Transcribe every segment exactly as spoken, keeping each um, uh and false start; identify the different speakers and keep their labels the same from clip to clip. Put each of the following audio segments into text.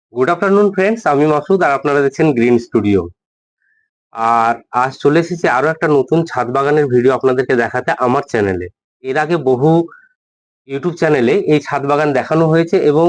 Speaker 1: Good afternoon friends, আমি মাসুদ আর আপনারা দেখছেন গ্রিন স্টুডিও। আর আজ চলে এসেছি আরো একটা নতুন ছাদ বাগানের ভিডিও আপনাদেরকে দেখাতে আমার চ্যানেলে। এর আগে বহু ইউটিউব চ্যানেলে এই ছাদ বাগান দেখানো হয়েছে এবং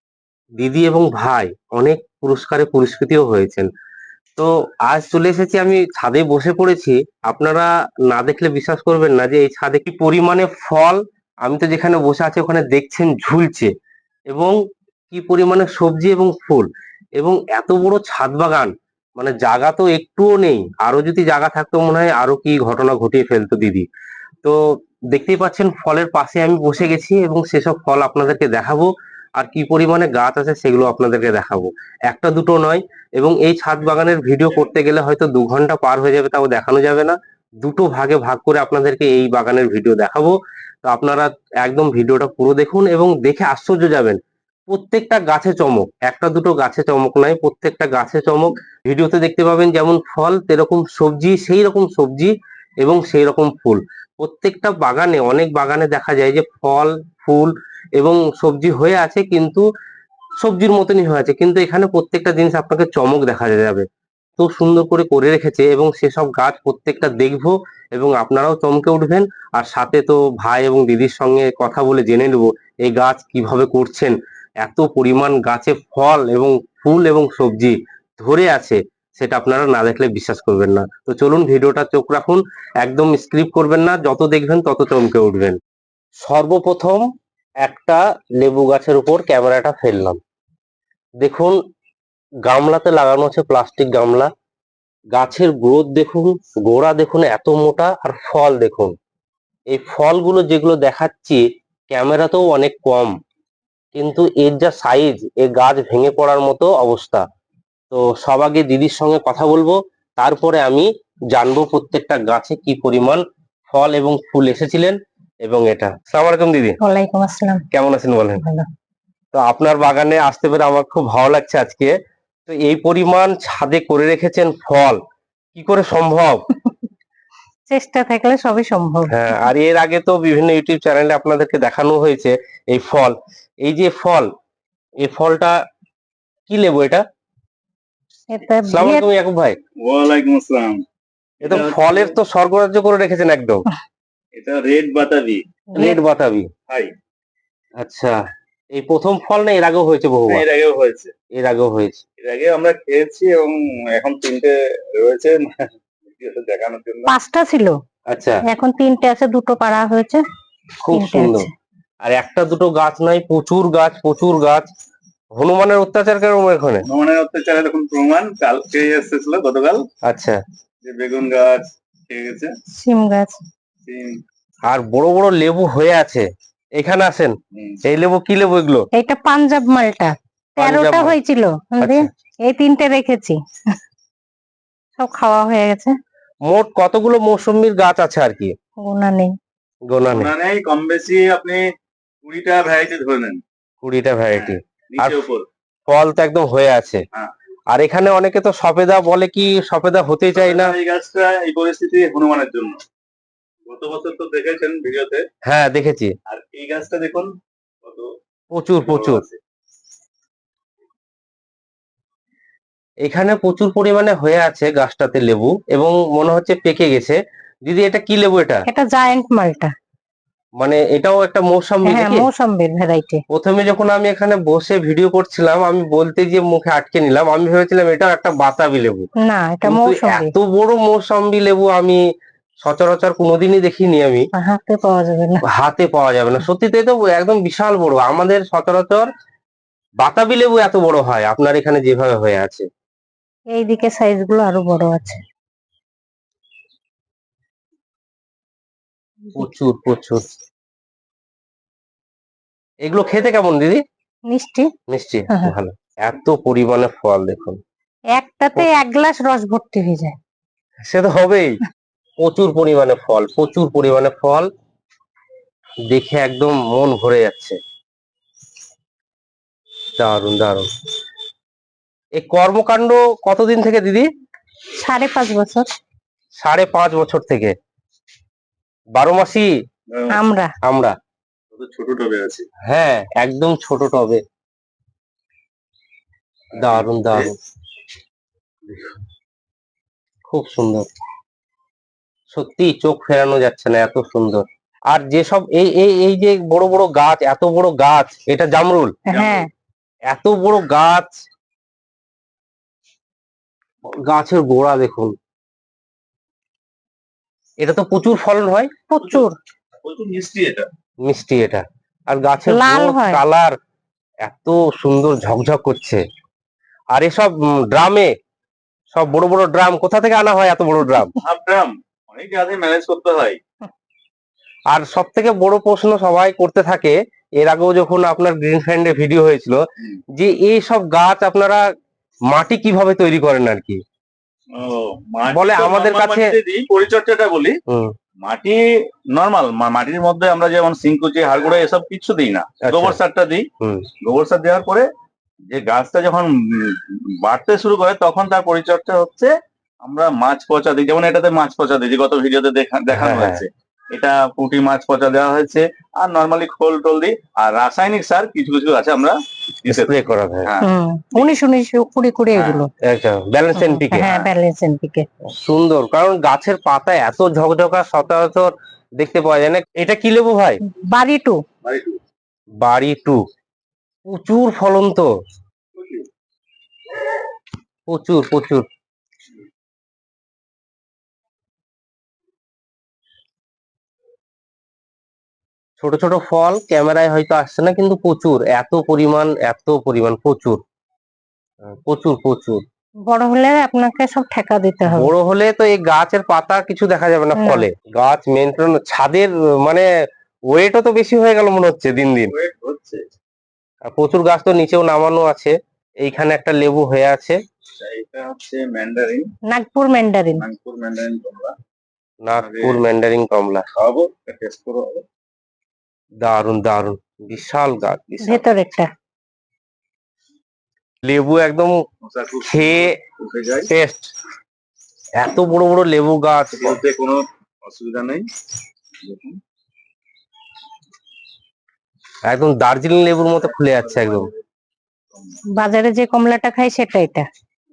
Speaker 1: দিদি এবং ভাই অনেক পুরস্কারে পুরস্কৃতও হয়েছেন। তো আজ চলে এসেছি, আমি ছাদে বসে পড়েছি। আপনারা না দেখলে বিশ্বাস করবেন না যে এই ছাদে কি পরিমাণে ফল। আমি তো যেখানে বসে আছি ওখানে দেখছেন ঝুলছে, এবং কি পরিমাণে সবজি এবং ফুল, এবং এত বড় ছাদ বাগান, মানে জায়গা তো একটুও নেই। আরো যদি জায়গা থাকতো মনে হয় আরো কি ঘটনা ঘটিয়ে ফেলতো দিদি। তো দেখতেই পাচ্ছেন ফলের পাশে আমি বসে গেছি এবং সেসব ফল আপনাদেরকে দেখাবো। আর কি পরিমাণে গাছ আছে সেগুলো আপনাদেরকে দেখাবো, একটা দুটো নয়। এবং এই ছাদ বাগানের ভিডিও করতে গেলে হয়তো দু ঘন্টা পার হয়ে যাবে, তাও দেখানো যাবে না। দুটো ভাগে ভাগ করে আপনাদেরকে এই বাগানের ভিডিও দেখাবো। তো আপনারা একদম ভিডিওটা পুরো দেখুন এবং দেখে আশ্চর্য যাবেন। প্রত্যেকটা গাছে চমক, একটা দুটো গাছে চমক নয়, প্রত্যেকটা গাছে চমক। ভিডিওতে দেখতে পাবেন যেমন ফল সেরকম সবজি, সেই রকম সবজি এবং সেই রকম ফুল। প্রত্যেকটা বাগানে, অনেক বাগানে দেখা যায় যে ফল, ফুল এবং সবজি হয়ে আছে, কিন্তু সবজির মতনই হয়ে আছে, কিন্তু এখানে প্রত্যেকটা জিনিস আপনাকে চমক দেখা যাবে। খুব সুন্দর করে করে রেখেছে এবং সেসব গাছ প্রত্যেকটা দেখবো এবং আপনারাও চমকে উঠবেন। আর সাথে তো ভাই এবং দিদির সঙ্গে কথা বলে জেনে নেবো এই গাছ কিভাবে করছেন। এত পরিমাণ গাছে ফল এবং ফুল এবং সবজি ধরে আছে, সেটা আপনারা না দেখলে বিশ্বাস করবেন না। তো চলুন ভিডিওটা চোখ রাখুন, একদম স্ক্রিপ্ট করবেন না, যত দেখবেন তত চমকে উঠবেন। সর্বপ্রথম একটা লেবু গাছের উপর ক্যামেরাটা ফেললাম। দেখুন, গামলাতে লাগানো আছে, প্লাস্টিক গামলা। গাছের গ্রোথ দেখুন, গোড়া দেখুন এত মোটা, আর ফল দেখুন। এই ফলগুলো যেগুলো দেখাচ্ছি ক্যামেরাতেও অনেক কম, কিন্তু এর যা সাইজ, এ গাছ ভেঙে পড়ার মতো অবস্থা। তো সব আগে দিদির সঙ্গে কথা বলবো, তারপরে আমি জানবো প্রত্যেকটা গাছে কি পরিমাণ ফল এবং ফুল এসেছিলেন। এবং এটা, আসসালামু আলাইকুম দিদি।
Speaker 2: ওয়ালাইকুম আসসালাম।
Speaker 1: কেমন আছেন বলেন?
Speaker 2: ভালো।
Speaker 1: তো আপনার বাগানে আসতে পেরে আমার খুব ভালো লাগছে আজকে। তো এই পরিমাণ ছাদে করে রেখেছেন ফল, কি করে সম্ভব?
Speaker 2: চেষ্টা থাকলে সবই সম্ভব।
Speaker 1: হ্যাঁ, আর এর আগে তো বিভিন্ন ইউটিউব চ্যানেলে আপনাদেরকে দেখানো হয়েছে এই ফল। এই যে ফল, এই ফলটা কি লেবু এটা?
Speaker 2: এটা
Speaker 1: আসসালামু
Speaker 2: ভিয়েত
Speaker 1: আলাইকুম ইয়াকুব ভাই।
Speaker 3: ওয়ালাইকুম আসসালাম।
Speaker 1: এটা
Speaker 3: এটা
Speaker 1: ফলের
Speaker 3: হচ্ছে
Speaker 1: তো স্বর্গরাজ্য করে রেখেছেন একদম।
Speaker 3: এটা রেড বাতাবি।
Speaker 1: রেড বাতাবি।
Speaker 3: হাই।
Speaker 1: আচ্ছা, এই প্রথম ফল না এর আগেও হয়েছে
Speaker 3: হ্যাঁ,
Speaker 1: বহুবার?
Speaker 3: এর আগেও হয়েছে।
Speaker 1: এর আগেও হয়েছে।
Speaker 3: এর আগে আমরা খেয়েছি এবং এখন তিনটে রয়েছে ভিডিওতে দেখানোর জন্য।
Speaker 2: পাঁচটা ছিল,
Speaker 1: আচ্ছা,
Speaker 2: এখন তিনটে আছে, দুটো পাড়া হয়েছে,
Speaker 1: খুব
Speaker 2: তিনটে
Speaker 1: সুন্দর।
Speaker 2: আছে।
Speaker 1: আর একটা দুটো গাছ নাই, প্রচুর গাছ, প্রচুর গাছ। হনুমানের অত্যাচার কেরম এখানে?
Speaker 3: হনুমানের অত্যাচারের এখন প্রমাণ কালকে এসেছিল, গতকাল।
Speaker 1: আচ্ছা,
Speaker 3: যে বেগুন গাছ খেয়ে গেছে,
Speaker 2: সিম গাছ।
Speaker 3: সিম।
Speaker 1: আর বড় বড় লেবু হয়ে আছে। এখানে আসেন,
Speaker 3: হুম।
Speaker 1: এই লেবু কি লেবু এগুলো?
Speaker 2: এটা পাঞ্জাব মালটা,
Speaker 1: পাঞ্জাব
Speaker 2: তেরোটা
Speaker 1: মাল।
Speaker 2: হয়েছিল, বুঝলি?
Speaker 1: আচ্ছা,
Speaker 2: এই তিনটে রেখেছি, সব খাওয়া হয়ে গেছে,
Speaker 1: মোট কতগুলো মৌসুমীর গাছ আছে আর কি?
Speaker 2: গোনা নেই।
Speaker 1: গোনা নেই।
Speaker 3: গোনা নেই, কম বেশি আপনি কুড়িটা ভ্যারাইটি ধরে নেন।
Speaker 1: কুড়িটা ভ্যারাইটি। আর
Speaker 3: নিচে উপর।
Speaker 1: ফল তো একদম হয়ে আছে।
Speaker 3: হ্যাঁ।
Speaker 1: আর এখানে অনেকে তো সফেদা বলে, কি সফেদা হতেই চায় না।
Speaker 3: এই গাছটা এই পরিস্থিতি হনুমানের জন্য। গত বছর তো দেখেছেন ভিডিওতে।
Speaker 1: হ্যাঁ, দেখেছি।
Speaker 3: আর এই গাছটা দেখুন কত
Speaker 1: প্রচুর
Speaker 3: বড়
Speaker 1: প্রচুর।
Speaker 3: আছে।
Speaker 1: এখানে প্রচুর পরিমাণে হয়ে আছে গাছটাতে লেবু, এবং মনে হচ্ছে পেকে গেছে। দিদি, এটা কি লেবু এটা?
Speaker 2: এটা জায়ান্ট মালটা।
Speaker 1: মানে এটাও একটা মৌসুমী
Speaker 2: হ্যাঁ,
Speaker 1: নাকি?
Speaker 2: মৌসম্বির ভ্যারাইটি।
Speaker 1: প্রথমে যখন আমি এখানে বসে ভিডিও করছিলাম, আমি বলতে গিয়ে মুখে আটকে নিলাম, আমি ভেবেছিলাম এটাও একটা বাতাবি লেবু।
Speaker 2: না, এটা
Speaker 1: কিন্তু
Speaker 2: মৌসম্বি,
Speaker 1: এত বড় মৌসুমী লেবু আমি সচরাচর কোনোদিনই দেখিনি আমি।
Speaker 2: হাতে পাওয়া যাবে না।
Speaker 1: হাতে পাওয়া যাবে না, সত্যিতে তো একদম বিশাল বড়। আমাদের সচরাচর বাতাবি লেবু এত বড় হয়, আপনার এখানে যেভাবে হয়ে আছে।
Speaker 2: এইদিকে সাইজ গুলো আরো বড় আছে।
Speaker 1: প্রচুর প্রচুর। এগুলো খেতে কেমন দিদি?
Speaker 2: মিষ্টি।
Speaker 1: মিষ্টি?
Speaker 2: হ্যাঁ।
Speaker 1: ভালো। এত পরিমাণে ফল দেখুন।
Speaker 2: একটাতে এক গ্লাস রস ভর্তি হয়ে যায়।
Speaker 1: সে তো হবেই। প্রচুর পরিমাণে ফল, প্রচুর পরিমাণে ফল, দেখে একদম মন ভরে যাচ্ছে। দারুণ দারুণ। এই কর্মকাণ্ড কতদিন থেকে দিদি?
Speaker 2: সাড়ে পাঁচ বছর।
Speaker 1: সাড়ে পাঁচ বছর থেকে বারো মাসি
Speaker 2: আমরা
Speaker 1: আমরা
Speaker 3: কত ছোট টবে আছে।
Speaker 1: হ্যাঁ, একদম ছোট টবে। দারুন দারুন, খুব সুন্দর, সত্যি চোখ ফেরানো যাচ্ছে না, এত সুন্দর। আর যেসব এই এই এই যে বড় বড় গাছ, এত বড় গাছ, এটা জামরুল,
Speaker 2: হ্যাঁ
Speaker 1: এত বড় গাছ, গাছের গোড়া দেখুন, এটা তো প্রচুর ফলন হয়,
Speaker 2: প্রচুর
Speaker 3: প্রচুর মিষ্টি এটা।
Speaker 1: মিষ্টি এটা। আর গাছের
Speaker 2: লাল হয়।
Speaker 1: কালার এত সুন্দর, ঝকঝক করছে। আর এসব ড্রামে, সব বড় বড় ড্রাম, কোথা থেকে আনা হয় এত বড় ড্রাম?
Speaker 3: হাফ ড্রাম, অনেক গাছে ম্যানেজ করতে হয়।
Speaker 1: আর সব থেকে বড় প্রশ্ন সবাই করতে থাকে, এর আগেও যখন আপনার গ্রিন ফ্রেন্ডে ভিডিও হয়েছিল,
Speaker 3: হুম।
Speaker 1: যে এই সব গাছ আপনারা মাটি কিভাবে তৈরি করেন আর কি।
Speaker 3: ও, মাটি
Speaker 1: বলে
Speaker 3: তো
Speaker 1: আমাদের
Speaker 3: normal
Speaker 1: কাছে-
Speaker 3: মাটিতে দিই, পরিচর্যাটা বলি।
Speaker 1: হুম,
Speaker 3: মাটি নরমাল মাটির মধ্যে আমরা যেমন সিংকুচি, হাড়গুঁড়ো এসব কিছু দিই না,
Speaker 1: আচ্ছা।
Speaker 3: গোবর সারটা দিই।
Speaker 1: হুম,
Speaker 3: গোবর সার দেওয়ার পরে যে গাছটা যখন উম, বাড়তে শুরু করে, তখন তার পরিচর্যা হচ্ছে আমরা মাছ পচা দিই। যেমন এটাতে মাছ পচা দিই, যে গত ভিডিওতে দেখা- দেখানো
Speaker 1: হ্যাঁ,
Speaker 3: হয়েছে। এটা পুঁটি মাছ পচা দেওয়া হয়েছে, আর নর্মালি খোল টোল দিই। আর রাসায়নিক সার কিছু কিছু আছে আমরা দিতে
Speaker 1: স্প্রে করা হয়।
Speaker 3: হ্যাঁ,
Speaker 2: হুম উনিশ উনিশ কুড়ি কুড়ি
Speaker 3: হ্যাঁ।
Speaker 2: এগুলো
Speaker 1: একটা ব্যালেন্স
Speaker 2: হুম,
Speaker 1: এনপিকে
Speaker 2: হ্যাঁ ব্যালেন্স এনপিকে।
Speaker 1: সুন্দর, কারণ গাছের পাতা এত ঝকঝকা সচরাচর দেখতে পাওয়া যায় না। এটা কি লেবু ভাই?
Speaker 2: বাড়ি টু
Speaker 3: বাড়ি টু।
Speaker 1: বাড়ি টু, প্রচুর ফলন তো, প্রচুর প্রচুর। ছোট ছোট ফল ক্যামেরায় হয়তো আসছে না, কিন্তু প্রচুর, এত পরিমাণ, এত পরিমাণ, প্রচুর প্রচুর প্রচুর।
Speaker 2: বড় হলে আপনাকে সব ঠেকা দিতে হবে।
Speaker 1: বড় হলে তো এই গাছের পাতা কিছু দেখা যাবে না
Speaker 2: না।
Speaker 1: ফলে। গাছ মেনটেন, ছাদের মানে ওয়েটও তো বেশি হয়ে গেল মনে হচ্ছে দিন দিন।
Speaker 3: ওয়েট হচ্ছে।
Speaker 1: আর প্রচুর গাছ তো নিচেও নামানো আছে। এইখানে একটা লেবু হয়ে আছে,
Speaker 3: এটা হচ্ছে mandarin,
Speaker 2: Nagpur mandarin.
Speaker 3: Nagpur mandarin তোমরা
Speaker 1: নাগপুর ম্যান্ডারিন কমলা।
Speaker 3: খাওয়াবো, টেস্ট করো।
Speaker 1: দারুন দারুন, বিশাল গাছ, বিশাল।
Speaker 2: ভেতর একটা
Speaker 1: লেবু একদম
Speaker 3: মশা খুব
Speaker 1: খেয়ে
Speaker 3: উঠে যায়,
Speaker 1: টেস্ট। এত বড় বড় লেবু গাছ,
Speaker 3: বলতে কোনো অসুবিধা নেই। দেখুন,
Speaker 1: একদম দার্জিলিং লেবুর মতো খুলে যাচ্ছে একদম।
Speaker 2: বাজারে যে কমলাটা খাই সেটা এটা।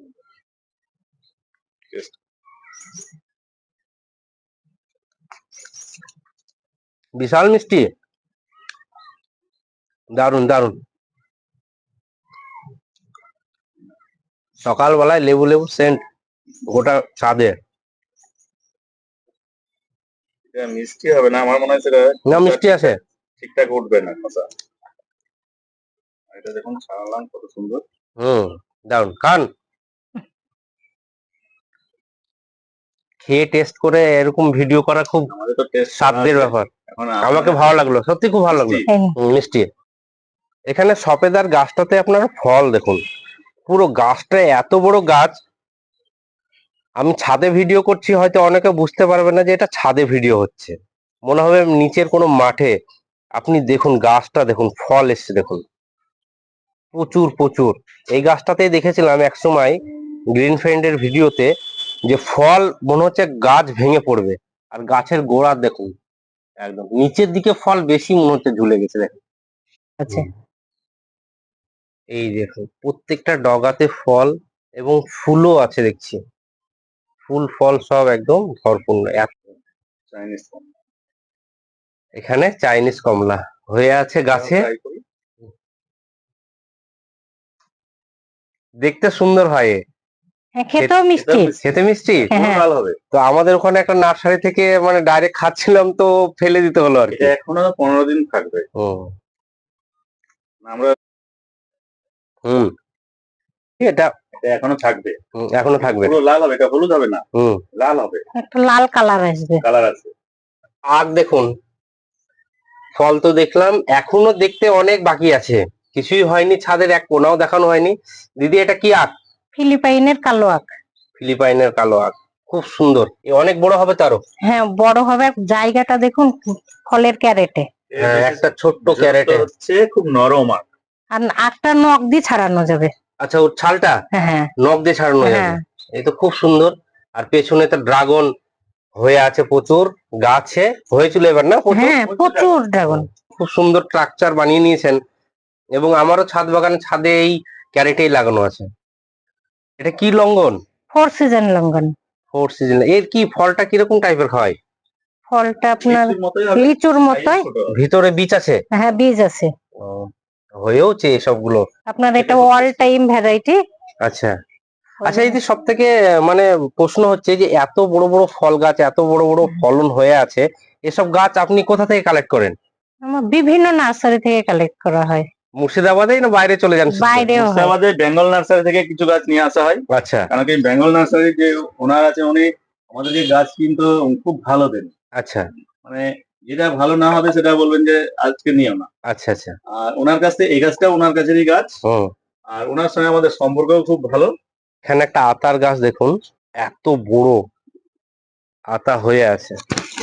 Speaker 1: বিশাল মিষ্টি, দারুন দারুন। সকালবেলায় লেবু লেবু সেন্ট গোটা ছাদে।
Speaker 3: এটা মিষ্টি হবে না, আমার মনে হয় সেটা
Speaker 1: না, মিষ্টি আছে।
Speaker 3: ঠিকঠাক উঠবে না খোসা। এটা দেখুন ছাড়ালাম, কত সুন্দর।
Speaker 1: হুম, দারুন, খান, খেয়ে টেস্ট করে এরকম ভিডিও করা খুব
Speaker 3: আমাদের তো টেস্ট
Speaker 1: সাধ্যের ব্যাপার।
Speaker 3: এখন
Speaker 1: আমাকে ভালো লাগলো, সত্যি খুব ভালো লাগলো।
Speaker 3: মিষ্টি।
Speaker 1: হুম, মিষ্টি। এখানে সপেদার গাছটাতে আপনারা ফল দেখুন, পুরো গাছটা এত বড় গাছ। আমি ছাদে ভিডিও করছি, হয়তো অনেকে বুঝতে পারবে না যে এটা ছাদে ভিডিও হচ্ছে, মনে হবে নিচের কোনো মাঠে। আপনি দেখুন গাছটা, দেখুন ফল এসছে দেখুন, প্রচুর প্রচুর। এই গাছটাতেই দেখেছিলাম এক সময় গ্রিন ফ্রেন্ডের ভিডিওতে, যে ফল মনে হচ্ছে গাছ ভেঙে পড়বে। আর গাছের গোড়া দেখুন, একদম নিচের দিকে ফল বেশি মনে হচ্ছে ঝুলে গেছে দেখুন।
Speaker 2: আছে
Speaker 1: এই দেখুন প্রত্যেকটা ডগাতে ফল, এবং ফুলও আছে দেখছি, ফুল ফল সব একদম ভরপুর।
Speaker 3: চাইনিজ
Speaker 1: এখানে চাইনিজ কমলা হয়ে আছে গাছে, দেখতে সুন্দর হয়।
Speaker 2: হ্যাঁ খেতেও মিষ্টি।
Speaker 1: খেতে মিষ্টি,
Speaker 2: হ্যাঁ।
Speaker 3: ভালো হবে।
Speaker 1: তো আমাদের ওখানে একটা নার্সারি থেকে মানে ডাইরেক্ট খাচ্ছিলাম, তো ফেলে দিতে হলো আর কি।
Speaker 3: এটা এখনো পনেরো দিন থাকবে।
Speaker 1: হুম
Speaker 3: আমরা
Speaker 1: হুম এটা
Speaker 3: এটা এখনো থাকবে,
Speaker 1: হুম, এখনো থাকবে।
Speaker 3: পুরো লাল হবে, এটা হলুদ হবে না,
Speaker 1: হুম,
Speaker 3: লাল হবে,
Speaker 2: একটা লাল কালার আসবে।
Speaker 3: কালার আছে।
Speaker 1: আর দেখুন ফল তো দেখলাম, এখনো দেখতে অনেক বাকি আছে, কিছুই হয়নি, ছাদের এক কোনাও দেখানো হয়নি। দিদি এটা কি আখ?
Speaker 2: ফিলিপাইনের কালো আখ।
Speaker 1: ফিলিপাইনের কালো আখ, খুব সুন্দর। এ অনেক বড় হবে তারও।
Speaker 2: হ্যাঁ বড় হবে, জায়গাটা দেখুন ফলের ক্যারেটে।
Speaker 1: হ্যাঁ, একটা ছোট্ট ক্যারেটে
Speaker 3: হচ্ছে, খুব নরম আখ।
Speaker 2: আর আখটা নখ দিয়ে ছাড়ানো যাবে।
Speaker 1: আচ্ছা, ওর ছালটা
Speaker 2: হ্যাঁ
Speaker 1: নখ দিয়ে ছাড়ানো যাবে।
Speaker 2: হ্যাঁ।
Speaker 1: এই তো খুব সুন্দর। আর পেছনে তো ড্রাগন হয়ে আছে প্রচুর, গাছে হয়েছিল এবার না প্রচুর?
Speaker 2: হ্যাঁ প্রচুর ড্রাগন।
Speaker 1: খুব সুন্দর স্ট্রাকচার বানিয়ে নিয়েছেন। এবং আমারও ছাদ বাগানে ছাদে এই ক্যারেটেই লাগানো আছে। এটা কি longan?
Speaker 2: Four season longan.
Speaker 1: Four season. এর কি ফলটা কিরকম টাইপের হয়?
Speaker 2: ফলটা আপনার
Speaker 3: লিচুর মতোই হবে,
Speaker 2: লিচুর
Speaker 3: size
Speaker 2: মতোই।
Speaker 3: ছোট হবে।
Speaker 1: ভিতরে বীজ আছে?
Speaker 2: হ্যাঁ, বীজ আছে।
Speaker 1: ও, হয়েওছে এসবগুলো।
Speaker 2: আপনার এটা
Speaker 3: এটা খুব
Speaker 2: অল
Speaker 3: tasty।
Speaker 2: Time variety.
Speaker 1: আচ্ছা আচ্ছা, এই যে সব থেকে মানে প্রশ্ন হচ্ছে যে এত বড় বড় ফল গাছ, এত বড় বড় ফলন হয়ে আছে, এসব গাছ আপনি কোথা থেকে কালেক্ট করেন?
Speaker 2: আমার বিভিন্ন নার্সারি থেকে কালেক্ট করা হয়।
Speaker 1: মুর্শিদাবাদেই না বাইরে চলে যান শুনতে?
Speaker 2: বাইরেও হয়।
Speaker 3: মুর্শিদাবাদে বেঙ্গল নার্সারি থেকে কিছু গাছ নিয়ে আসা হয়,
Speaker 1: আচ্ছা
Speaker 3: কারণ কি বেঙ্গল নার্সারি যে ওনার আছে উনি আমাদেরকে গাছ কিন্তু খুব ভালো দেন।
Speaker 1: আচ্ছা
Speaker 3: মানে যেটা ভালো না হবে সেটা বলবেন যে আজকে নিও না।
Speaker 1: আচ্ছা আচ্ছা।
Speaker 3: আর ওনার কাছ থেকে এই গাছটা ওনার কাছেরই গাছ,
Speaker 1: হুম।
Speaker 3: আর ওনার সঙ্গে আমাদের সম্পর্কও খুব ভালো।
Speaker 1: এখানে একটা আতার গাছ দেখুন, এত বড় আতা হয়ে আছে।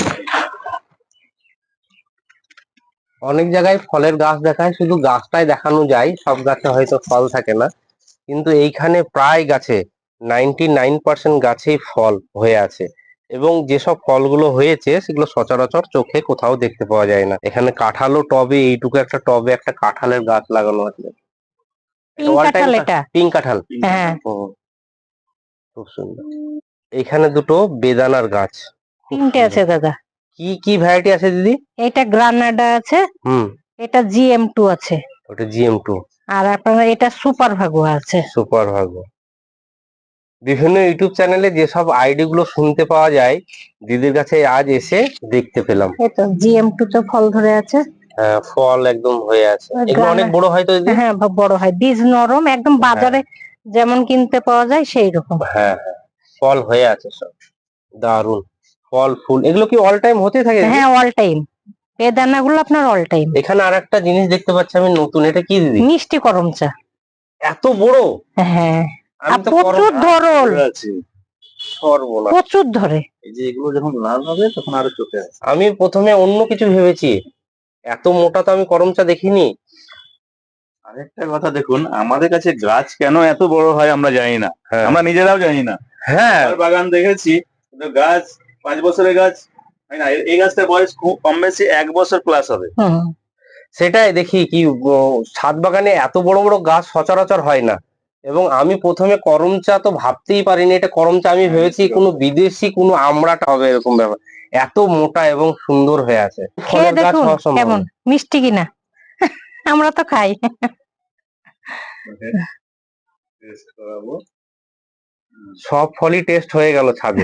Speaker 1: অনেক জায়গায় ফলের গাছ দেখায়, শুধু গাছটাই দেখানো যায়, সব গাছে হয়তো ফল থাকে না, কিন্তু এইখানে প্রায় গাছে নাইনটি নাইন পার্সেন্ট গাছেই ফল হয়ে আছে। এবং যেসব ফলগুলো হয়েছে সেগুলো সচরাচর চোখে কোথাও দেখতে পাওয়া যায় না। এখানে কাঁঠালও টবে, এইটুকু একটা টবে একটা কাঁঠালের গাছ লাগানো আছে।
Speaker 2: পিঙ্ক
Speaker 1: অল টাইম
Speaker 2: কাঁঠাল এটা।
Speaker 1: পিঙ্ক কাঁঠাল।
Speaker 2: হ্যাঁ।
Speaker 1: ও, খুব সুন্দর। এখানে দুটো বেদানার গাছ, খুব
Speaker 2: তিনটে
Speaker 1: সুন্দর।
Speaker 2: আছে দাদা।
Speaker 1: কি কি ভ্যারাইটি আছে দিদি?
Speaker 2: এটা গ্রানাডা আছে,
Speaker 1: হুম,
Speaker 2: এটা জি এম টু আছে,
Speaker 1: ওটা জিএম টু,
Speaker 2: আর আপনার এটা সুপার ভাগুয়া আছে।
Speaker 1: সুপার ভাগো। বিভিন্ন ইউটিউব চ্যানেলে যেসব আইডি গুলো শুনতে পাওয়া যায়, দিদির কাছে আজ এসে দেখতে পেলাম।
Speaker 2: এই তো জি এম টু তে ফল ধরে আছে।
Speaker 1: হ্যাঁ, ফল একদম হয়ে আছে।
Speaker 2: আর
Speaker 1: এগুলো অনেক
Speaker 2: গ্রানা-
Speaker 1: বড় হয় তো দিদি?
Speaker 2: হ্যাঁ, ব- বড় হয়, বীজ নরম একদম, বাজারে যেমন কিনতে পাওয়া যায় সেই রকম।
Speaker 1: হ্যাঁ হ্যাঁ, ফল হয়ে আছে সব, দারুন। ফল ফুল এগুলো কি অল টাইম হতে থাকে দিদি?
Speaker 2: হ্যাঁ, অল টাইম। এই দানাগুলো আপনার অল টাইম।
Speaker 1: এখানে আর একটা জিনিস দেখতে পাচ্ছি আমি নতুন, এটা কি দিদি?
Speaker 2: মিষ্টি করম চা।
Speaker 1: এত বড়!
Speaker 2: হ্যাঁ,
Speaker 1: আমি
Speaker 2: আর
Speaker 1: তো
Speaker 2: প্রচুর
Speaker 1: করম-
Speaker 2: ধরল,
Speaker 3: ধরে আছে।
Speaker 1: সর্বনাশ।
Speaker 2: প্রচুর ধরে।
Speaker 3: এই যে এগুলো যখন লাল হবে তখন আরো চোখে আসে।
Speaker 1: আমি প্রথমে অন্য কিছু ভেবেছি, এত মোটা তো আমি করম চা দেখিনি।
Speaker 3: আরেকটা কথা দেখুন, আমাদের কাছে গাছ কেন এত বড় হয় আমরা জানি না,
Speaker 1: হ্যাঁ
Speaker 3: আমরা নিজেরাও জানি না।
Speaker 1: হ্যাঁ,
Speaker 3: আমার বাগান দেখেছি, কিন্তু গাছ পাঁচ বছরের গাছ হয় না, এই- এই গাছটার বয়স খুব কম বেশি এক বছর প্লাস হবে।
Speaker 2: হুম।
Speaker 1: সেটাই দেখি কি ও, ছাদ বাগানে এত বড় বড় গাছ সচরাচর হয় না। এবং আমি প্রথমে করম চা তো ভাবতেই পারিনি এটা করম চা, আমি
Speaker 3: হ্যাঁ,
Speaker 1: ভেবেছি
Speaker 3: মিষ্টি
Speaker 1: কোনো
Speaker 3: করম চা।
Speaker 1: বিদেশি কোনো আমড়াটা হবে এরকম ব্যাপার। এত মোটা এবং সুন্দর হয়ে আছে।
Speaker 2: খেয়ে
Speaker 1: ফলের গাছ
Speaker 2: দেখুন
Speaker 1: হওয়া সম্ভব
Speaker 2: কেমন
Speaker 1: না।
Speaker 2: মিষ্টি কিনা। আমরা তো খাই।
Speaker 3: ওকে, taste করাবো।
Speaker 1: সব ফলই টেস্ট হয়ে গেল ছাদে।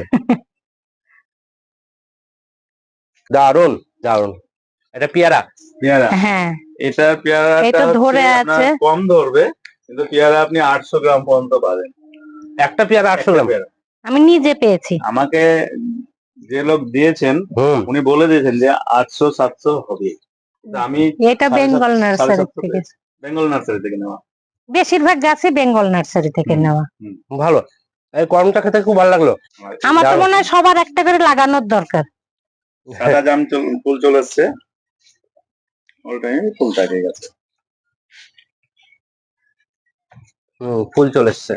Speaker 1: দারুন দারুন। এটা পেয়ারা?
Speaker 3: পেয়ারা,
Speaker 2: হ্যাঁ,
Speaker 3: এটা পেয়ারাটা
Speaker 2: এটা
Speaker 3: হচ্ছে
Speaker 2: ধরে
Speaker 3: আপনার
Speaker 2: আছে।
Speaker 3: কম ধরবে, কিন্তু পেয়ারা আপনি আটশো গ্রাম পর্যন্ত পাবেন।
Speaker 1: একটা পেয়ারা আটশো
Speaker 3: একটা
Speaker 1: গ্রাম?
Speaker 3: পেয়ারা।
Speaker 2: আমি নিজে পেয়েছি।
Speaker 3: আমাকে যে লোক দিয়েছেন
Speaker 1: হুম।
Speaker 3: উনি বলে দিয়েছেন যে আটশো সাতশো হবে, কিন্তু আমি
Speaker 2: এটা
Speaker 3: সাড়ে
Speaker 2: বেঙ্গল
Speaker 3: সাত- সাড়ে
Speaker 2: নার্সারি
Speaker 3: সাতশো
Speaker 2: থেকে,
Speaker 3: পেয়েছি। বেঙ্গল নার্সারি থেকে নেওয়া।
Speaker 2: বেশিরভাগ গাছই বেঙ্গল নার্সারি থেকে
Speaker 3: হুম,
Speaker 2: নেওয়া।
Speaker 3: হুম।
Speaker 1: ভালো, এই করমটা খেতে খুব ভালো লাগলো।
Speaker 2: আমার তো
Speaker 1: দারুণ।
Speaker 2: মনে হয় সবার একটা করে লাগানোর দরকার।
Speaker 3: সাদা জাম চল- ফুল চলে এসছে, অল টাইম ফুল থাকে গেছে।
Speaker 1: হুম, ফুল চলে এসছে।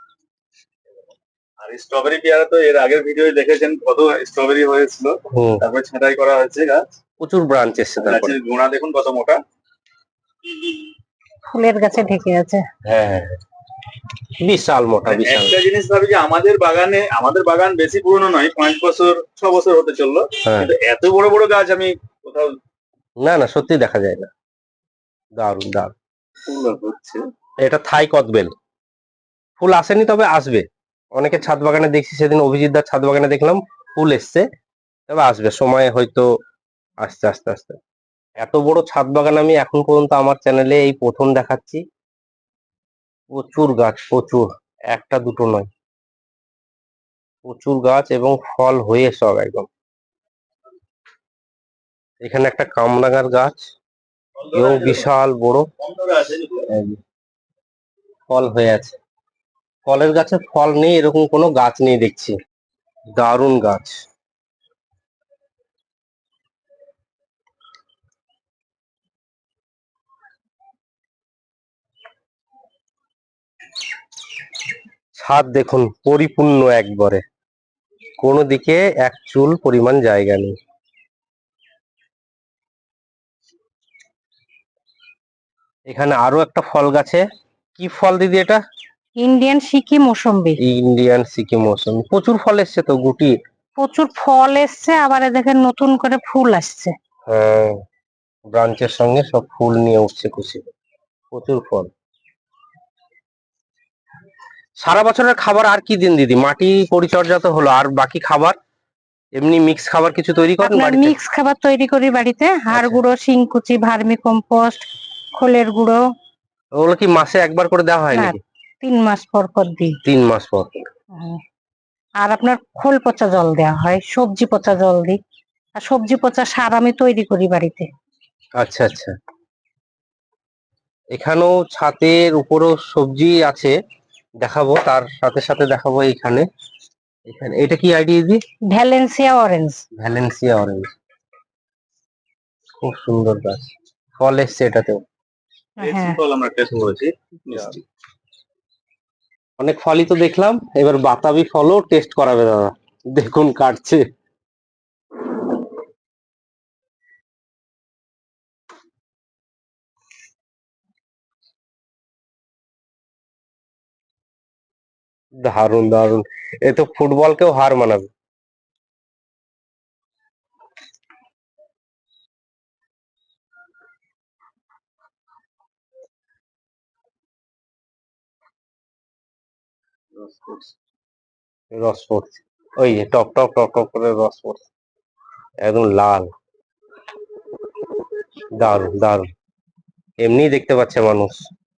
Speaker 3: আর স্ট্রবেরি পেয়ারা তো এর আগের ভিডিও দেখেছেন কত স্ট্রবেরি হয়েছিল,
Speaker 1: হুম,
Speaker 3: তারপরে ছাঁটাই করা হয়েছে গাছ।
Speaker 1: প্রচুর ব্রাঞ্চ এসছে তারপরে।
Speaker 3: গাছের গোড়া দেখুন কত মোটা।
Speaker 2: ফুলের গাছে ঢেকে আছে।
Speaker 1: হ্যাঁ হ্যাঁ, বিশাল মোটা, বিশাল।
Speaker 3: একটা জিনিস ভাবি যে আমাদের বাগানে, আমাদের বাগান বেশি পুরনো নয়, পাঁচ বছর ছ বছর হতে চললো,
Speaker 1: হ্যাঁ,
Speaker 3: কিন্তু এত বড় বড় গাছ আমি কোথাও
Speaker 1: না না, সত্যি দেখা যায় না। দারুন দারুন।
Speaker 3: ফুল হচ্ছে।
Speaker 1: এটা থাই কদবেল। ফুল আসেনি, তবে আসবে। অনেকে ছাদ বাগানে দেখছি, সেদিন অভিজিৎ দার ছাদ বাগানে দেখলাম ফুল এসছে, তবে আসবে সময় হয়তো, আস্তে আস্তে আস্তে। এত বড় ছাদ বাগান আমি এখন পর্যন্ত আমার চ্যানেলে এই প্রথম দেখাচ্ছি। প্রচুর গাছ, প্রচুর, একটা দুটো নয়, প্রচুর গাছ এবং ফল হয়ে সব একদম। এখানে একটা কামরাঙার গাছ, এও বিশাল বড়,
Speaker 3: কম ধরে আছে যেগুলো।
Speaker 1: ফল হয়ে আছে। ফলের গাছে ফল নেই এরকম কোনো গাছ নেই দেখছি। দারুণ গাছ। ছাদ দেখুন পরিপূর্ণ একবারে, কোনো দিকে এক চুল পরিমাণ জায়গা নেই। এখানে আরো একটা ফল গাছে কি ফল দিদি এটা?
Speaker 2: ইন্ডিয়ান সিকি মৌসম্বি।
Speaker 1: ইন্ডিয়ান সিকিম মৌসুমি, প্রচুর ফল এসছে তো, গুটি।
Speaker 2: প্রচুর ফল এসছে, আবার এ দেখেন নতুন করে ফুল আসছে।
Speaker 1: হ্যাঁ, ব্রাঞ্চের সঙ্গে সব ফুল নিয়ে উঠছে খুশি, প্রচুর ফল। সারা বছরের খাবার আর কি দিন দিদি? মাটি পরিচর্যা তো হলো, আর বাকি খাবার এমনি মিক্স খাবার কিছু তৈরি করেন
Speaker 2: আপনার
Speaker 1: বাড়িতে?
Speaker 2: মিক্স খাবার তৈরি করি বাড়িতে, হাড়
Speaker 1: আচ্ছা।
Speaker 2: গুঁড়ো, শিংকুচি, ভার্মি কম্পোস্ট, খোলের গুঁড়ো।
Speaker 1: ওগুলো কি মাসে একবার করে দেওয়া হয়
Speaker 2: না,
Speaker 1: নাকি?
Speaker 2: তিন মাস পর পর দিই।
Speaker 1: তিন মাস পর পর।
Speaker 2: হুম। আর আপনার খোল পচা জল দেওয়া হয়, সবজি পচা জল দিই। আর সবজি পচা সার আমি তৈরি করি বাড়িতে।
Speaker 1: আচ্ছা আচ্ছা, এখানেও ছাদের উপরও সবজি আছে, দেখাবো, তার সাথে সাথে দেখাবো এখানে। এখানে এটা কি আইডি দিদি?
Speaker 2: Valencia orange.
Speaker 1: ভ্যালেন্সিয়া অরেঞ্জ, খুব সুন্দর গাছ, ফল এসছে এটাতেও।
Speaker 2: হ্যাঁ,
Speaker 3: ফল আমরা টেস্ট করেছি, মিষ্টি।
Speaker 1: অনেক ফলই তো দেখলাম, এবার বাতাবি ফলও টেস্ট করাবে দাদা, দেখুন কাটছে। দারুন দারুন, এ তো ফুটবলকেও হার মানাবে। রস পড়ছে, ওই যে টক টক টক টক করে রস পড়ছে, একদম লাল, দারুন দারুন, এমনি দেখতে পাচ্ছে মানুষ।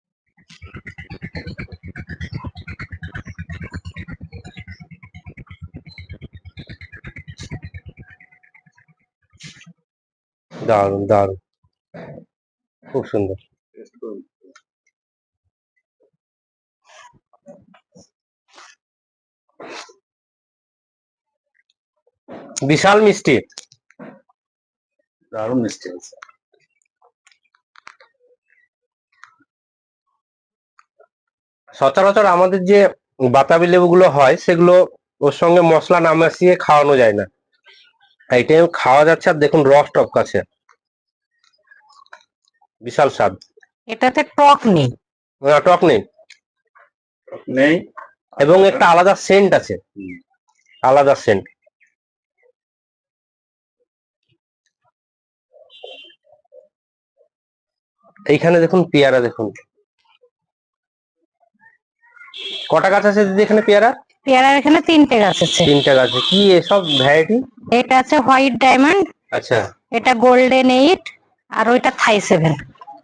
Speaker 1: দারুন দারুন, খুব সুন্দর। বিশাল মিষ্টি,
Speaker 3: দারুণ মিষ্টি আছে।
Speaker 1: সচরাচর আমাদের যে বাতাবি লেবুগুলো হয় সেগুলো ওর সঙ্গে মশলা না মিশিয়ে খাওয়ানো যায় না, এইটাই খাওয়া যাচ্ছে। আর দেখুন রস টপকাচ্ছে, বিশাল স্বাদ।
Speaker 2: এটাতে টক নেই।
Speaker 1: আহ, টক নেই,
Speaker 3: নেই,
Speaker 1: এবং একটা আলাদা সেন্ট আছে, আলাদা সেন্ট। এইখানে দেখুন পেয়ারা, দেখুন কটা গাছ আছে দিদি এখানে পেয়ারা?
Speaker 2: পেয়ারার এখানে তিনটে গাছ আছে।
Speaker 1: তিনটা গাছে, কি এসব ভ্যারাইটি?
Speaker 2: এটা আছে হোয়াইট ডায়মন্ড,
Speaker 1: আচ্ছা,
Speaker 2: এটা গোল্ডেন এইট, আর ওইটা থাই সেভেন।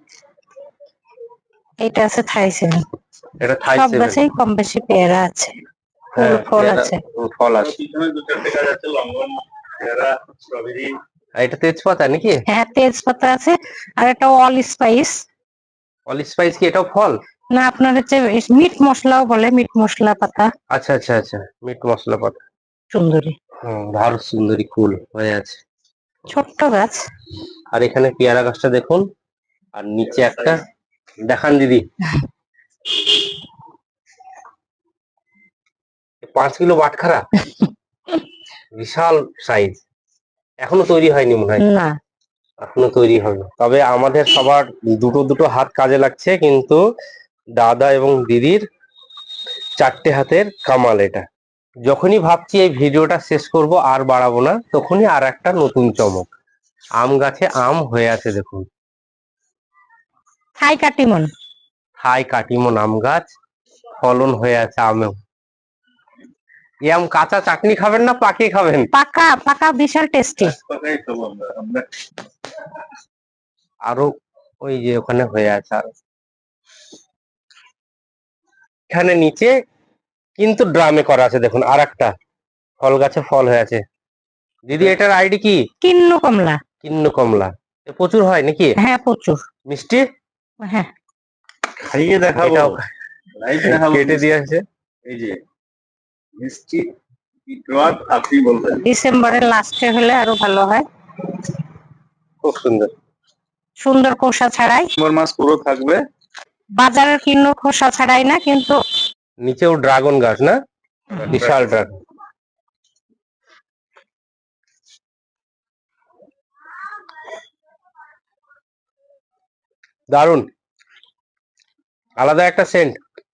Speaker 2: এটা আছে থাই সেভেন।
Speaker 1: এটা থাই
Speaker 2: সব
Speaker 1: সেভেন।
Speaker 2: গাছেই কম বেশি পেয়ারা আছে, ফুল
Speaker 1: হ্যাঁ,
Speaker 2: ফল
Speaker 1: পেয়ারা,
Speaker 2: আছে।
Speaker 1: উম, ফল আছে।
Speaker 3: পিছনে দু চারটে গাছ আছে, লঙ্গন, পেয়ারা, স্ট্রবেরি।
Speaker 1: আর এটা তেজপাতা নাকি?
Speaker 2: হ্যাঁ, তেজপাতা আছে। আর এটা অল স্পাইস।
Speaker 1: অল স্পাইস কি এটাও ফল?
Speaker 2: না, আপনার হচ্ছে মিট মশলাও বলে, মিট মশলা পাতা।
Speaker 1: আচ্ছা আচ্ছা আচ্ছা, মিট মশলা পাতা।
Speaker 2: সুন্দরী,
Speaker 1: হুম, ভারত সুন্দরী ফুল হয়ে আছে।
Speaker 2: ছোট্ট গাছ।
Speaker 1: আর এখানে পেয়ারা গাছটা দেখুন, আর নিচে একটা দেখান দিদি, পাঁচ কিলো বাটখারা, বিশাল সাইজ, এখনো তৈরি হয়নি মনে হয়।
Speaker 2: না,
Speaker 1: এখনো তৈরি হয়নি, তবে আমাদের সবার দুটো দুটো হাত কাজে লাগছে, কিন্তু দাদা এবং দিদির চারটে হাতের কামাল এটা। যখনই ভাবছি এই ভিডিওটা শেষ করব আর বাড়াবো না, তখনই আর একটা নতুন চমক, আম গাছে আম হয়ে আছে দেখুন,
Speaker 2: থাই কাটিমন।
Speaker 1: থাই কাটিমন আম গাছ ফলন হয়ে আছে আমেও। এই আম কাঁচা চাটনি খাবেন না পাকিয়ে খাবেন?
Speaker 2: পাকা পাকা, বিশাল টেস্টি।
Speaker 3: পাকাই খাবো আমরা আমরা
Speaker 1: আরো ওই যে ওখানে হয়ে আছে, আর এখানে নিচে কিন্তু ড্রামে করা আছে দেখুন, আর একটা ফল গাছে ফল হয়ে আছে। দিদি এটার আইডি কি?
Speaker 2: কিন্নু কমলা।
Speaker 1: কিন্নু কমলা, এ প্রচুর হয় নাকি
Speaker 2: হ্যাঁ, প্রচুর।
Speaker 1: মিষ্টি?
Speaker 2: হ্যাঁ,
Speaker 3: খাইয়ে দেখাবো,
Speaker 1: এটাও
Speaker 3: লাইভ দেখাবো।
Speaker 1: কেটে দিয়ে আছে,
Speaker 3: এই যে মিষ্টি রস, আপনি বলবেন।
Speaker 2: ডিসেম্বরের লাস্টে হলে আরো ভালো হয়।
Speaker 1: খুব সুন্দর।
Speaker 2: সুন্দর খোসা ছাড়াই,
Speaker 3: ডিসেম্বর মাস পুরো থাকবে।
Speaker 2: বাজারের কিন্নু খোসা ছাড়াই না কিন্তু।
Speaker 1: নিচেও ড্রাগন গাছ না, বিশাল ড্রাগন। দারুন, আলাদা একটা সেন্ট।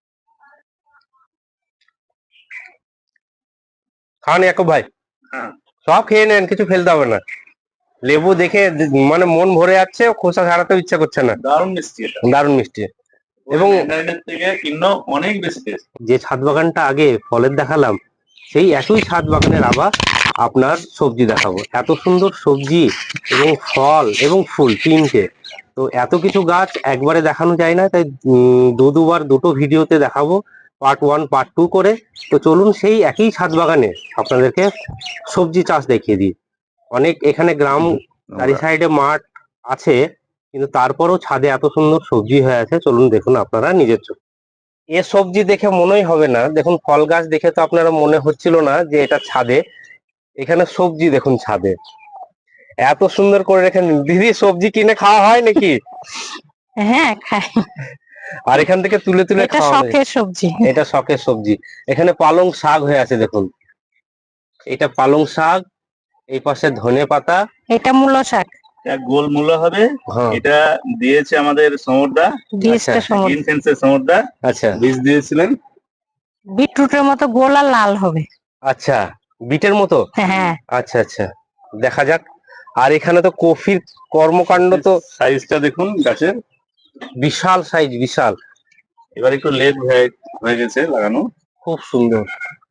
Speaker 1: খান ইয়াকুব ভাই,
Speaker 3: হ্যাঁ।
Speaker 1: সব খেয়ে নেন, কিছু ফেলতে হবে না। লেবু দেখে মানে মন ভরে যাচ্ছে, খোসা ছাড়াতেও ইচ্ছা করছে না।
Speaker 3: দারুণ মিষ্টি এটা,
Speaker 1: দারুণ মিষ্টি। এবং
Speaker 3: ম্যান্ডারিনের থেকে কিনো অনেক বেশি টেস্ট।
Speaker 1: যে ছাদ বাগানটা আগে ফলের দেখালাম, সেই একই ছাদ বাগানের আবার আপনার সবজি দেখাবো। এত সুন্দর সবজি এবং ফল এবং ফুল তিনটে, তো এত কিছু গাছ একবারে দেখানো যায় না, তাই উম, দু দুবার দুটো ভিডিওতে দেখাবো, পার্ট ওয়ান পার্ট টু করে। তো চলুন সেই একই ছাদ বাগানে আপনাদেরকে সবজি চাষ দেখিয়ে দিই। অনেক এখানে গ্রাম চারি সাইডে মাঠ আছে, কিন্তু তারপরও ছাদে এত সুন্দর সবজি হয়ে আছে, চলুন দেখুন আপনারা নিজের চোখে। এ সবজি দেখে মনেই হবে না, দেখুন ফল গাছ দেখে তো আপনারা মনে হচ্ছিল না যে এটা ছাদে। এখানে সবজি দেখুন ছাদে এত সুন্দর করে রেখেন। দিদি সবজি কিনে খাওয়া হয় নাকি?
Speaker 2: হ্যাঁ খাই,
Speaker 1: আর এখান থেকে তুলে তুলে
Speaker 2: এটা
Speaker 1: খাওয়া হয়।
Speaker 2: শখের সবজি।
Speaker 1: এটা শখের সবজি। এখানে পালং শাক হয়ে আছে দেখুন, এটা পালং শাক, এই পাশে ধনে পাতা,
Speaker 2: এটা মূলো শাক,
Speaker 3: এক গোল মূলো হবে।
Speaker 1: হ্যাঁ
Speaker 3: এটা দিয়েছে আমাদের সমরদা,
Speaker 2: বীজটা
Speaker 1: আচ্ছা,
Speaker 2: সমুদ্র।
Speaker 3: গ্রিন ফেন্সের সমরদা
Speaker 1: আচ্ছা
Speaker 3: বীজ দিয়েছিলেন।
Speaker 2: বিটরুটের মতো গোল আর লাল হবে।
Speaker 1: আচ্ছা, বিটের মতো।
Speaker 2: হ্যাঁ
Speaker 1: আচ্ছা আচ্ছা, দেখা যাক। আর এখানে তো কফির কর্মকাণ্ড তো
Speaker 3: সাইজটা দেখুন গাছের,
Speaker 1: বিশাল সাইজ, বিশাল।
Speaker 3: এবার একটু লেট হয়ে হয়ে গেছে লাগানো।
Speaker 1: খুব সুন্দর।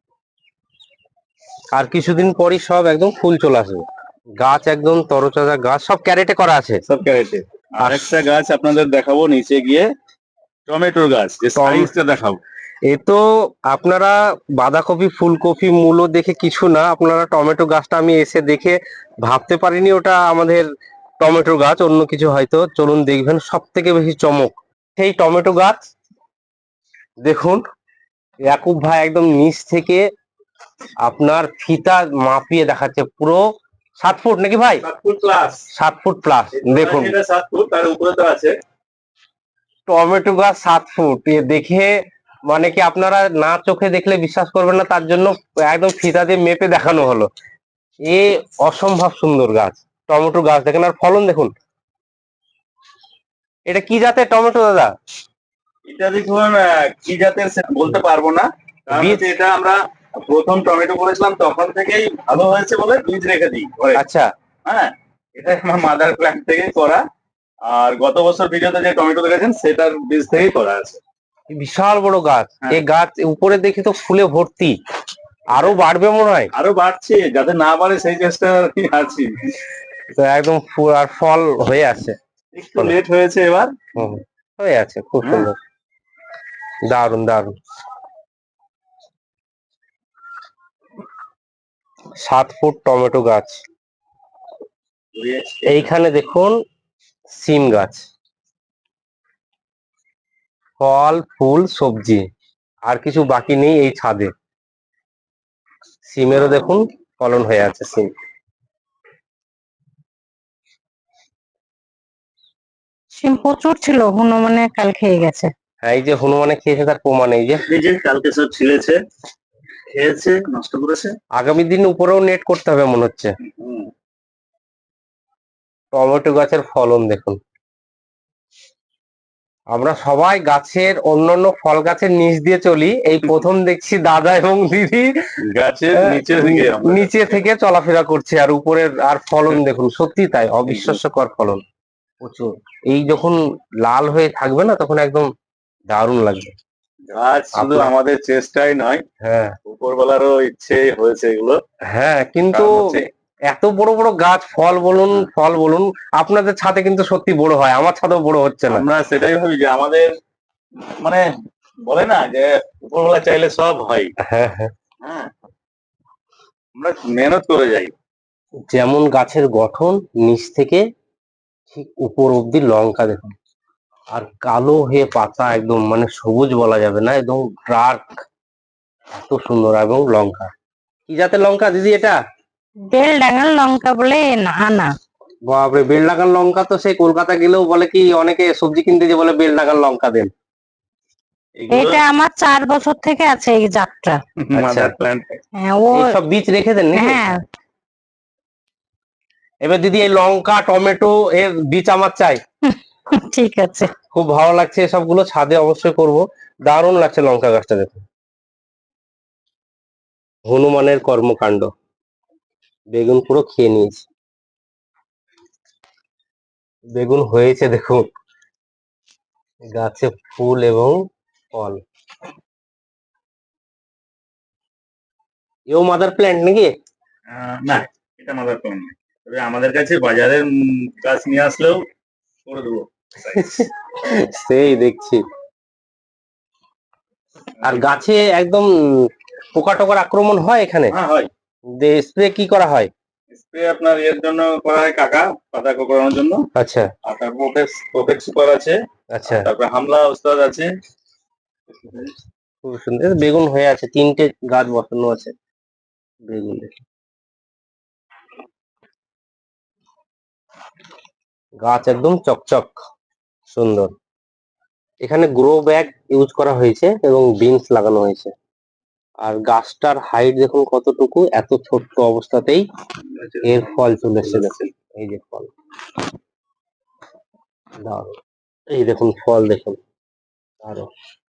Speaker 1: আর কিছুদিন পরই সব একদম ফুল চলে আসবে। গাছ একদম তরতাজা গাছ, সব ক্যারেটে করা আছে।
Speaker 3: সব ক্যারেটে। আর একটা গাছ আপনাদের দেখাবো নিচে গিয়ে, টমেটোর গাছ, যে
Speaker 1: টম-
Speaker 3: সাইজটা দেখাবো।
Speaker 1: এ তো আপনারা বাঁধাকপি ফুলকপি মূলো দেখে কিছু না, আপনারা টমেটো গাছটা আমি এসে দেখে ভাবতে পারিনি ওটা আমাদের টমেটো গাছ, অন্য কিছু হয়তো। চলুন দেখবেন সব থেকে বেশি চমক সেই টমেটো গাছ। দেখুন ইয়াকুব ভাই একদম নিচ থেকে আপনার ফিতা মাপিয়ে দেখাচ্ছে, পুরো সাত ফুট নাকি ভাই?
Speaker 3: সাত ফুট প্লাস।
Speaker 1: সাত ফুট প্লাস। দেখুন
Speaker 3: এটা সাত ফুট, তার উপরে তো আছে
Speaker 1: টমেটো গাছ সাত ফুট, এ দেখে মানে কি আপনারা না চোখে দেখলে বিশ্বাস করবেন না, তার জন্য একদম ফিতা দিয়ে মেপে দেখানো হলো। এ অসম্ভব সুন্দর গাছ, টমেটো গাছ দেখেন। আর ফলন দেখুন। এটা কি জাতের টমেটো দাদা?
Speaker 3: এটা দেখুন আহ, কি জাতের সে বলতে পারবো না, কারণ
Speaker 1: বীজ?
Speaker 3: হচ্ছে এটা আমরা প্রথম টমেটো করেছিলাম তখন থেকেই ভালো হয়েছে বলে বীজ রেখে দিই ঘরে।
Speaker 1: আচ্ছা
Speaker 3: হ্যাঁ, এটা আমার মাদার প্ল্যান্ট থেকেই করা। আর গত বছর ভিডিওতে যে টমেটো দেখেছেন সেটার বীজ থেকেই করা আছে।
Speaker 1: বিশাল বড় গাছ।
Speaker 3: হ্যাঁ।
Speaker 1: এই গাছ উপরে দেখে তো ফুলে ভর্তি, আরো বাড়বে মনে হয়।
Speaker 3: আরো বাড়ছে, যাতে না বাড়ে সেই চেষ্টা আর কি আছি।
Speaker 1: তো একদম ফুল আর ফল হয়ে আছে।
Speaker 3: একটু লেট হয়েছে এবার।
Speaker 1: হুম, হয়ে আছে, খুব
Speaker 3: হ্যাঁ।
Speaker 1: সুন্দর, দারুন দারুন। সাত ফুট টমেটো গাছ। এইখানে দেখুন সিম গাছ, ফল ফুল সবজি, আর কিছু বাকি নেই এই ছাদে। সিমেরও দেখুন ফলন হয়ে আছে সিম।
Speaker 2: সিম প্রচুর ছিল, হনুমানে কাল খেয়ে গেছে।
Speaker 1: হ্যাঁ, এই যে হনুমানে খেয়েছে তার প্রমাণ এই যে।
Speaker 3: এই যে কালকে সব ছিঁড়েছে, খেয়েছে, নষ্ট করেছে।
Speaker 1: আগামী দিন উপরেও নেট করতে হবে মনে হচ্ছে।
Speaker 3: হুম।
Speaker 1: টমেটো গাছের ফলন দেখুন। আমরা সবাই গাছের অন্যান্য ফল গাছের নিচ দিয়ে চলি, এই প্রথম দেখছি দাদা এবং দিদি
Speaker 3: গাছের নিচে দিকে আমরা
Speaker 1: নিচে থেকে চলাফেরা করছে, আর উপরের আর ফলন দেখুন, সত্যি তাই, অবিশ্বাস্যকর ফলন প্রচুর। এই যখন লাল হয়ে থাকবে না তখন একদম দারুণ লাগবে।
Speaker 3: গাছ শুধু
Speaker 1: আপনার-
Speaker 3: আমাদের চেষ্টাই নয়,
Speaker 1: হ্যাঁ
Speaker 3: উপরবেলারও ইচ্ছে হয়েছে এগুলো।
Speaker 1: হ্যাঁ, কিন্তু
Speaker 3: কারণ হচ্ছে-
Speaker 1: এত বড় বড় গাছ, ফল বলুন ফল বলুন, আপনাদের ছাদে কিন্তু সত্যি বড় হয়, আমার ছাদেও বড় হচ্ছে না।
Speaker 3: আমরা সেটাই ভাবি যে আমাদের মানে বলে না যে উপরবেলা চাইলে সব হয়।
Speaker 1: হ্যাঁ হ্যাঁ,
Speaker 3: হ্যাঁ, আমরা মেহনত করে যাই।
Speaker 1: যেমন গাছের গঠন নিচ থেকে ঠিক উপর অব্দি লঙ্কা দেখুন, আর কালো হয়ে পাতা একদম মানে সবুজ বলা যাবে না, একদম ডার্ক, এত সুন্দর। এবং লঙ্কা কি জাতের লঙ্কা দিদি এটা?
Speaker 2: বেল ডাঙাল লঙ্কা বলে না আনা।
Speaker 1: বাপরে, বেল লাগান লঙ্কা তো সেই কলকাতা গেলেও বলে কি, অনেকে সবজি কিনতে যে বলে বেল লাগান লঙ্কা দেন।
Speaker 3: এগুলো
Speaker 2: এটা আমার চার বছর থেকে আছে এই জাতটা।
Speaker 3: Mother plant.
Speaker 2: হ্যাঁ, ও
Speaker 1: এইসব বীজ রেখে দেন নাকি?
Speaker 2: হ্যাঁ
Speaker 1: এবার দিদি এই লঙ্কা টমেটো এর বীজ আমার চাই।
Speaker 2: ঠিক আছে।
Speaker 1: খুব ভালো লাগছে, এসবগুলো ছাদে অবশ্যই করব। দারুণ লাগছে লঙ্কা গাছটা, দেখুন হনুমানের কর্মকাণ্ড। বেগুন পুরো খেয়ে নিয়েছে, বেগুন হয়েছে দেখুন, গাছে ফুল এবং ফল। এও মাদার প্ল্যান্ট নাকি?
Speaker 3: আহ, না, এটা মাদার প্ল্যান্ট না, তবে আমাদের কাছে বাজারের উম, গাছ নিয়ে আসলেও করে দেবো।
Speaker 1: সেই দেখছি। আর গাছে একদম পোকা টোকার আক্রমণ হয় এখানে?
Speaker 3: হ্যাঁ হয়।
Speaker 1: স্প্রে কি করা হয়?
Speaker 3: স্প্রে আপনার এর জন্য করা হয় কাকা, পাতা কোঁকড়ানোর জন্য।
Speaker 1: আচ্ছা
Speaker 3: আর তার প্রোটেক্স প্রোটেক্ট সুপার আছে,
Speaker 1: আচ্ছা,
Speaker 3: তারপরে হামলা ওস্তাদ আছে।
Speaker 1: খুব সুন্দর। এই বেগুন হয়ে আছে, তিনটে গাছ বসানো আছে বেগুন, দেখি গাছ একদম চকচক সুন্দর। এখানে গ্রো ব্যাগ ইউজ করা হয়েছে এবং বিনস লাগানো হয়েছে। আর গাছটার হাইট দেখুন কতটুকু, এত ছোট্ট অবস্থাতেই এর ফল চলে এসেছে। দেখুন এই যে ফল, দারুণ। এই দেখুন ফল দেখুন, দারুণ।